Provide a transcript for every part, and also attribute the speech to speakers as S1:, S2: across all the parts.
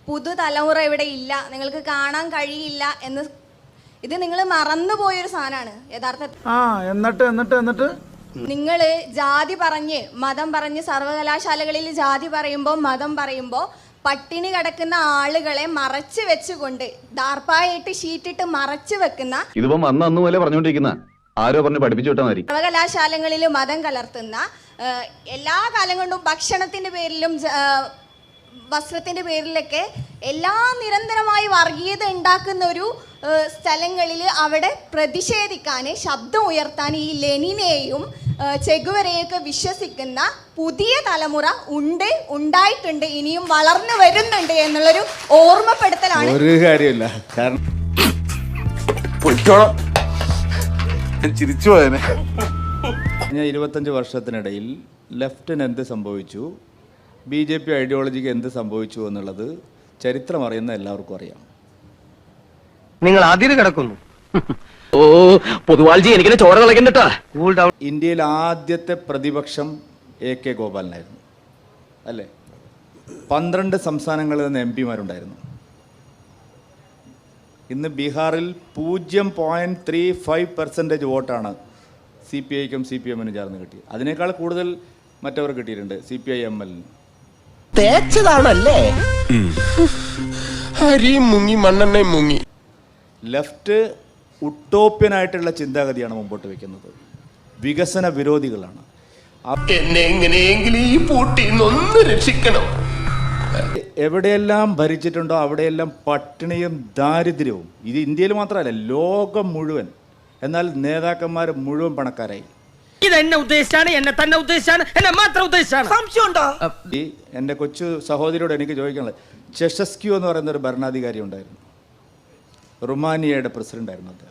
S1: പുതുതലമുറ ഇവിടെ ഇല്ല, നിങ്ങൾക്ക് കാണാൻ കഴിയില്ല എന്ന്. ഇത് നിങ്ങൾ മറന്നുപോയൊരു സാധനമാണ് യഥാർത്ഥത്തിൽ.
S2: എന്നിട്ട്
S1: നിങ്ങൾ ജാതി പറഞ്ഞ് മതം പറഞ്ഞ് സർവകലാശാലകളിൽ ജാതി പറയുമ്പോൾ മതം പറയുമ്പോൾ പട്ടിണി കിടക്കുന്ന ആളുകളെ മറച്ചു വെച്ചുകൊണ്ട് ദാർപ്പായിട്ട് ഷീറ്റിട്ട് മറച്ചു വെക്കുന്ന,
S3: ഇതിപ്പം അന്ന് പോലെ പറഞ്ഞുകൊണ്ടിരിക്കുന്ന ആരോ പറഞ്ഞ് പഠിപ്പിച്ചു വിട്ടാൽ മതി.
S1: സർവകലാശാലകളിൽ മതം കലർത്തുന്ന, എല്ലാ കാലം കൊണ്ടും ഭക്ഷണത്തിന്റെ പേരിലും വസ്ത്രത്തിന്റെ പേരിലൊക്കെ നിരന്തരമായി വർഗീയത ഉണ്ടാക്കുന്ന ഒരു സ്ഥലങ്ങളിൽ അവിടെ പ്രതിഷേധിക്കാൻ, ശബ്ദം ഉയർത്താൻ ഈ ലെനിനെയും ചെഗുവരെയൊക്കെ വിശ്വസിക്കുന്ന പുതിയ തലമുറ ഉണ്ടായിട്ടുണ്ട്, ഇനിയും വളർന്നു വരുന്നുണ്ട് എന്നുള്ളൊരു ഓർമ്മപ്പെടുത്തലാണ്.
S2: ഒരു കാര്യമില്ല, കാരണം ചിരിച്ചു പോയനെ. 25 വർഷത്തിനിടയിൽ ലെഫ്റ്റിന് എന്ത് സംഭവിച്ചു, BJP ഐഡിയോളജിക്ക് എന്ത് സംഭവിച്ചു എന്നുള്ളത് ചരിത്രം അറിയുന്ന എല്ലാവർക്കും അറിയാം.
S4: നിങ്ങൾ അതിര് കിടക്കുന്നു. ഓ പൊതുവാൾജി എനിക്കിനെ ചോര കളക്കണ്ടട്ടാ.
S2: ഇന്ത്യയിൽ ആദ്യത്തെ പ്രതിപക്ഷം AK ഗോപാലനായിരുന്നു, അല്ലേ? 12 സംസ്ഥാനങ്ങളിൽ നിന്ന് MP മാരുണ്ടായിരുന്നു. ഇന്ന് ബീഹാറിൽ 0.35% വോട്ടാണ് CPIക്കും CPM-നും ചേർന്ന് കിട്ടിയത്. അതിനേക്കാൾ കൂടുതൽ മറ്റവർ കിട്ടിയിട്ടുണ്ട്, CPI-ML.
S4: തേച്ചതാണല്ലേ?
S5: അരിയും മുങ്ങി മണ്ണെണ്ണയും മുങ്ങി.
S2: ലെഫ്റ്റ് ഉട്ടോപ്യനായിട്ടുള്ള ചിന്താഗതിയാണ് മുമ്പോട്ട് വെക്കുന്നത്, വികസന വിരോധികളാണ്.
S5: എന്നെ എങ്ങനെയെങ്കിലും ഈ പൂട്ടിൽ നിന്ന് രക്ഷിക്കണം.
S2: എവിടെയെല്ലാം ഭരിച്ചിട്ടുണ്ടോ അവിടെയെല്ലാം പട്ടിണിയും ദാരിദ്ര്യവും. ഇത് ഇന്ത്യയിൽ മാത്രമല്ല, ലോകം മുഴുവൻ. എന്നാൽ നേതാക്കന്മാർ മുഴുവൻ പണക്കാരായി.
S4: ഇതെന്നെ ഉദ്ദേശിച്ചാണ്, എന്നെ തന്നെ ഉദ്ദേശിച്ചാണ്, എന്നെ മാത്രം ഉദ്ദേശിച്ചാണ്. സംശയമുണ്ടോ?
S2: എൻ്റെ കൊച്ചു സഹോദരിയോട് എനിക്ക് ചോദിക്കാനുള്ളത്, ചെഷസ്ക്യൂ എന്ന് പറയുന്ന ഒരു ഭരണാധികാരി ഉണ്ടായിരുന്നു, റുമാനിയയുടെ പ്രസിഡന്റ് ആയിരുന്നു അദ്ദേഹം.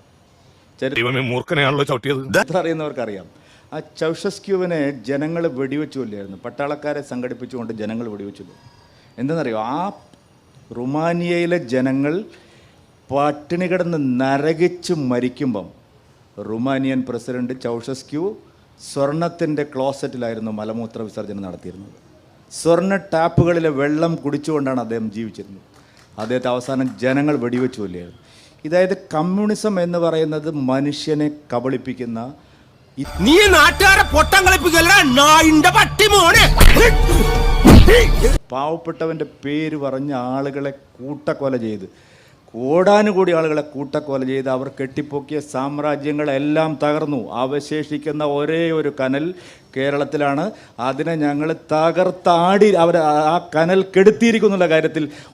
S2: ചരിത്രം അറിയുന്നവർക്കറിയാം. ആ ചൗഷസ്ക്യൂവിനെ ജനങ്ങൾ വെടിവെച്ചു കൊല്ലായിരുന്നു, പട്ടാളക്കാരെ സംഘടിപ്പിച്ചുകൊണ്ട് ജനങ്ങൾ വെടിവെച്ചു. എന്തെന്നറിയോ, ആ റുമാനിയയിലെ ജനങ്ങൾ പട്ടിണി കിടന്ന് നരകിച്ച് മരിക്കുമ്പം റുമാനിയൻ പ്രസിഡന്റ് ചൗഷസ്ക്യൂ സ്വർണത്തിൻ്റെ ക്ലോസറ്റിലായിരുന്നു മലമൂത്ര വിസർജനം നടത്തിയിരുന്നത്. സ്വർണ്ണ ടാപ്പുകളിലെ വെള്ളം കുടിച്ചുകൊണ്ടാണ് അദ്ദേഹം ജീവിച്ചിരുന്നത്. അദ്ദേഹത്തെ അവസാനം ജനങ്ങൾ വെടിവെച്ചു കൊല്ലായിരുന്നു. ഇതായത് കമ്മ്യൂണിസം എന്ന് പറയുന്നത് മനുഷ്യനെ കബളിപ്പിക്കുന്ന,
S5: നീ നാട്ടുകാരെ പൊട്ടം കളിപ്പിക്കല്ല നായിന്റെ പട്ടി മോനെ.
S2: പാവപ്പെട്ടവൻ്റെ പേര് പറഞ്ഞ ആളുകളെ കൂട്ടക്കൊല ചെയ്ത്, കോടാനുകൂടി ആളുകളെ കൂട്ടക്കൊല ചെയ്ത് അവർ കെട്ടിപ്പൊക്കിയ സാമ്രാജ്യങ്ങളെല്ലാം തകർന്നു. അവശേഷിക്കുന്ന ഒരേ ഒരു കനൽ കേരളത്തിലാണ്. അതിനെ ഞങ്ങൾ തകർത്താടി അവർ ആ കനൽ കെടുത്തിയിരിക്കുന്നുള്ള കാര്യത്തിൽ